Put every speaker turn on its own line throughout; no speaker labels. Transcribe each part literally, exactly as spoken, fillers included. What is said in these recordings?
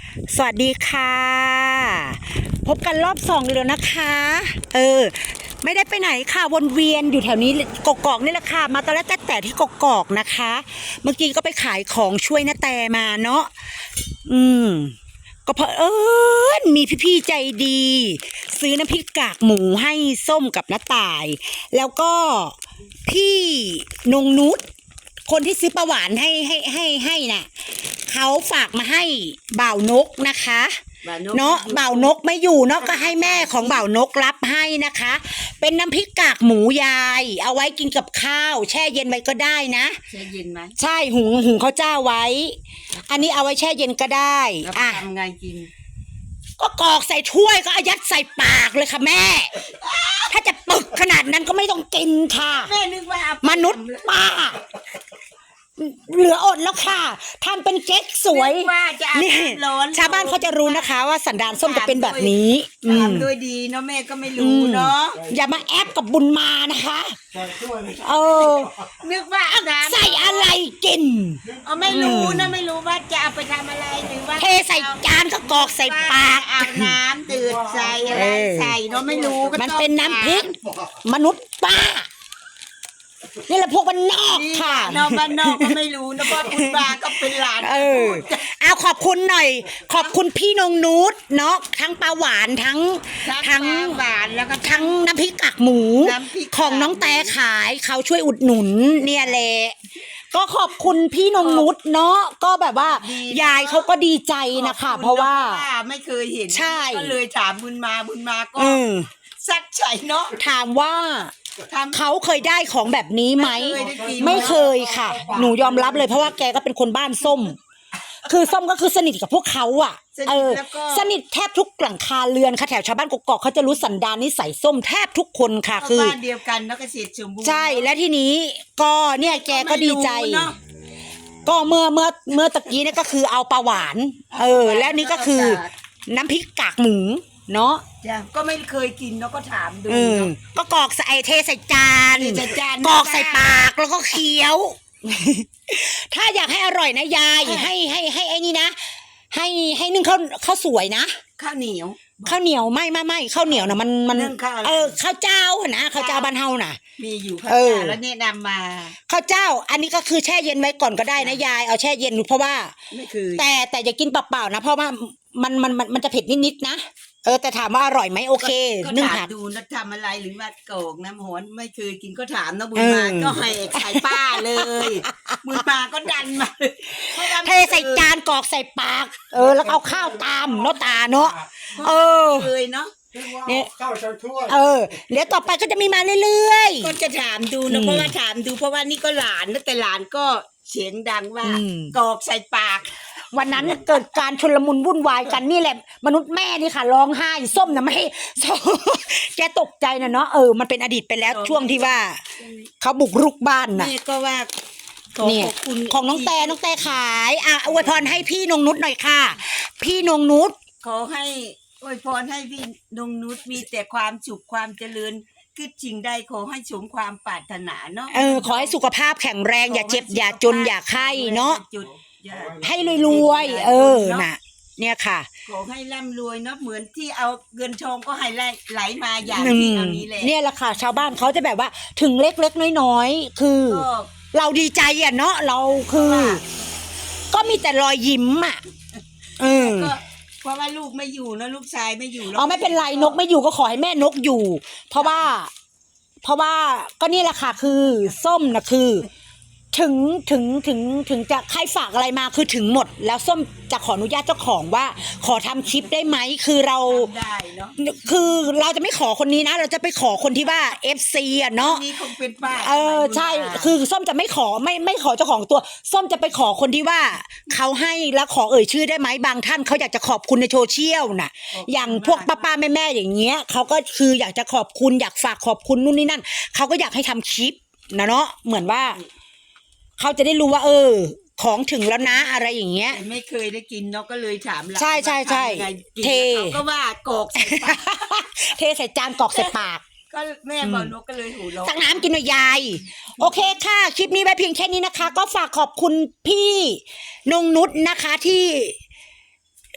สวัสดีค่ะพบกันรอบสองเลยนะคะเออไม่ได้ไปไหนค่ะวนเวียนอยู่แถวนี้กกอกนี่แหละค่ะมาตอนแรกแต่แต่ที่กกอกนะคะ เมื่อกี้ก็ไปขายของช่วยน้าแต่มาเนาะอืมก็เพอเออมีพี่ๆใจดี ซื้อน้ำพริกกากหมูให้ส้มกับน้าต่าย แล้วก็พี่นงนุชคนที่ซื้อประหวานให้ให้ให้ให้น่ะเขาฝากมาให้บ่าวนกนะคะเนาะบ่าวนกไม่อยู่เนาะก็ให้แม่ของบ่าวนกรับให้นะคะ เป็นน้ำพริกกากหมูยายเอาไว้กินกับข้าวแช่เย็นไว้ก็ได้นะ
แช่เย็นไหม
ใช่หุงหุงข้าวเจ้าไว้ อันนี้เอาไว้แช่เย็นก็ได้
อ่ะทำไงกิน
ก็กรอกใส่ถ้วยก็อายัดใส่ปากเลยค่ะแม่ ถ้าจะปึกขนาดนั้นก็ไม่ต้องกินค่ะ
แม่นึกว่าม
นุษย์ป้าเหลืออดแล้วค่ะทำเป็นเก๊กสวย
นี่
ชาวบ้านเขาจะรู้นะคะว่าสันดานส้มจะเป็นแบบนี้
ทำด้วยดีเนาะแม่ก็ไม่รู้เนาะ
อย่ามาแอบกับบุญมานะคะเออ
นึกว่า
ใส่อะไรกิน
เออไม่รู้นะไม่รู้ว่าจะเอาไปทำอะไรหรือว่า
เทใส่จานก็กรอกใส่ปาก
เอาน้ำตืดใส่อะไรใส่เนาะไม่รู้
มันเป็นน้ำพริกมนุษย์ป้านี่แหละพวกบ้านนอกค่ะ
นอกบ้านนอกก็ไม่รู้นะเพราะคุณบาก็เป็นหลาน
เออเอาขอบคุณหน่อยขอบคุณพี่นงนุชเนาะทั้งปลาหวานทั้ง
ทั้งหวานแล้วก็
ทั้งน้ำพริกกากหมูของน้องแต่ขายเขาช่วยอุดหนุนเนี่ยแหละก็ขอบคุณพี่นงนุชเนาะก็แบบว่ายายเขาก็ดีใจนะคะเพราะว่า
ไม่เคยเห็น
ใช่
ก็เลยถามบุญมาบุญมาก็สักใจเนาะ
ถามว่าเขาเคยได้ของแบบนี้ไหมไม่เคยค่ะหนูยอมรับเลยเพราะว่าแกก็เป็นคนบ้านส้มคือส้มก็คือสนิทกับพวกเขาอ่ะเออสนิทแทบทุกหลังคาเรือนค่ะแถวชาวบ้านกกอกเขาจะรู้สันดานนิสัยส้มแทบทุกคนค่ะคือ
บ้านเดียวกันแล้วก็เกษตรสมบูรณ์
ใช่และทีนี้ก็เนี่ยแกก็ดีใจก็เมื่อเมื่อเมื่อตะกี้เนี่ยก็คือเอาปลาหวานเออแล้วนี่ก็คือน้ำพริกกากหมูเนาะ
ก็ไม่เคยกินแล้วก็ถามดู
ก็กรอกใส่เทใส่จานกรอกใส่ปากแล้วก็เคี้ยวถ้าอยากให้อร่อยนะยายให้ให้ให้ไอ้นี่นะให้ให้นึ่งข้าวข้าวสวยนะ
ข้าวเหนียว
ข้าวเหนียวไม่ไม่ไม่ข้าวเหนียวนะมันมันเออข้าวเจ้านะข้าวเจ้าบ้านเฮาน่ะ
มีอยู่ข้าวเจ้าแล้วแนะนำมา
ข้าวเจ้าอันนี้ก็คือแช่เย็นไว้ก่อนก็ได้นะยายเอาแช่เย็นเพราะว่าแต่แต่อย่ากินเปล่าๆนะเพราะว่ามันมันมันมันจะเผ็ดนิดๆนะเออแต่ถามว่าอร่อยไหมโอเค
นึ่งถามดูนะทำอะไรหรือว่าโกกน้ำหอนไม่เคยกินก็ถามนะบุญมาก็ให้ขายป้าเลยบุญมาก็ดันมา
เทใส่จานกรอกใส่ปากเออแล้วเอาข้าวตามเนาะตาเนาะเออ
เลยเนาะ
เนี่ยเออเดี๋ยวต่อไปก็จะมีมาเรื่อย
ๆก็จะถามดูนะเพราะว่าถามดูเพราะว่านี่ก็หลานนะแต่หลานก็เสียงดังว่ากรอกใส่ปาก
วันนั้นเกิดการชุลมุนวุ่นวายกันนี่แหละมนุษย์แม่นี่ค่ะร้องไห้ส้มนะไม่แกตกใจนะเนาะเออมันเป็นอดีตไปแล้วช่วงที่ว่าเขาบุกรุกบ้านนะ
นี่ก็ว่า
เนี่ยของน้องแต่น้องแต่ขายอ่ะอวยพรให้พี่นงนุชหน่อยค่ะพี่นงนุช
ขอให้อวยพรให้พี่นงนุชมีแต่ความสุขความเจริญคือจริงใดขอให้สมความปรารถนาเนาะ
เออขอให้สุขภาพแข็งแรงอย่าเจ็บอย่าจนอย่าไข้เนาะให้รวยๆเออน่ะเนี่ยค่ะ
ขอให้ร่ำรวยเนาะเหมือนที่เอาเงินทองก็ให้ไหลมาอย่างที่เอานี้แหละ
เนี่ยแหละค่ะชาวบ้านเขาจะแบบว่าถึงเล็กๆน้อยๆคือเราดีใจอ่ะเนาะเราคือก็มีแต่รอยยิ้มอ่ะเออ
เพราะว่าลูกไม่อยู่นะลูกชายไม่อยู่
อ๋อไม่เป็นไรนกไม่อยู่ก็ขอให้แม่นกอยู่เพราะว่าเพราะว่าก็นี่แหละค่ะคือส้มนะคือถึงถึงถึงถึงจะใครฝากอะไรมาคือถึงหมดแล้วส้มจะขออนุญาตเจ้าของว่าขอทำคลิปได้ไหมคือเราคือเราจะไม่ขอคนนี้นะเราจะไปขอคนที่ว่า เอฟ ซี อ่ะเนาะ
นี่คงเป็นป้า
เออใช่คือส้มจะไม่ขอไม่ไม่ขอเจ้าของตัวส้มจะไปขอคนที่ว่าเขาให้แล้วขอเอ่ยชื่อได้ไหมบางท่านเขาอยากจะขอบคุณในโซเชียลน่ะอย่างพวกป้าๆแม่ๆอย่างเงี้ยเขาก็คืออยากจะขอบคุณอยากฝากขอบคุณนู่นนี่นั่นเขาก็อยากให้ทำคลิปนะเนาะเหมือนว่าเขาจะได้รู้ว่าเออของถึงแล้วนะอะไรอย่างเงี้ย
ไม่เคยได้กินเนาะก็เลยถาม
ใช่ใช่ใช่เท
ก็ว่ากอกใส่ปาก
เทใส่จานกอกใส่ปาก
ก็แม่บอกนกก็เลยหูร้อง
ตักน้ำกินหน่อยยายโอเคค่ะคลิปนี้ไว้เพียงแค่นี้นะคะก็ฝากขอบคุณพี่นงนุชนะคะที่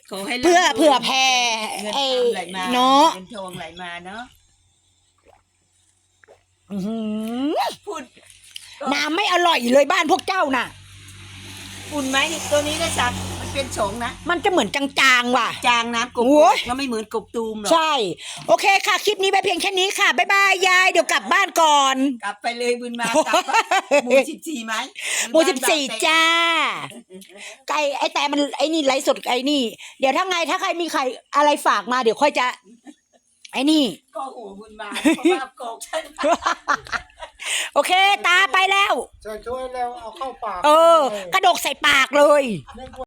ขอให้
เพื่อเผื่อแผ่
เงิน
ไอ้
ทองไหลมา
เนาะ
เงินทองไหลมาเนาะ
อื้อหือ
พูด
น้ำไม่อร่อยเลยบ้านพวกเจ้าน่ะ
อุ่นไหมตัวนี้นะจ๊ะมันเป็นโฉงนะ
มันจะเหมือนจางๆว่ะ
จางน้ำกบ
โอ้ย
ก็ไม่เหมือนกบตูมหรอก
ใช่ โอเคค่ะ คลิปนี้ไปเพียงแค่นี้ค่ะ บ๊ายบายยาย เดี๋ยวกลับบ้านก่อน
กลับไปเลยบุญมากลับหมู่สิบสี่ไหม
หมู่สิบสี่จ้า ไก่ไอ้แต่มันไอ้นี่ไลฟ์สดไอ้นี่ เดี๋ยวถ้าไงถ้าใครมีใครอะไรฝากมาเดี๋ยวค่อยจะ ไอ้นี่
ก็หัวบุญมาเพราะว่าโกกใช่ไหม
โอเค ตาไปแล้ว
จะช่วยแล้วเอาเข้าปาก
เออ กระดกใส่ปากเลย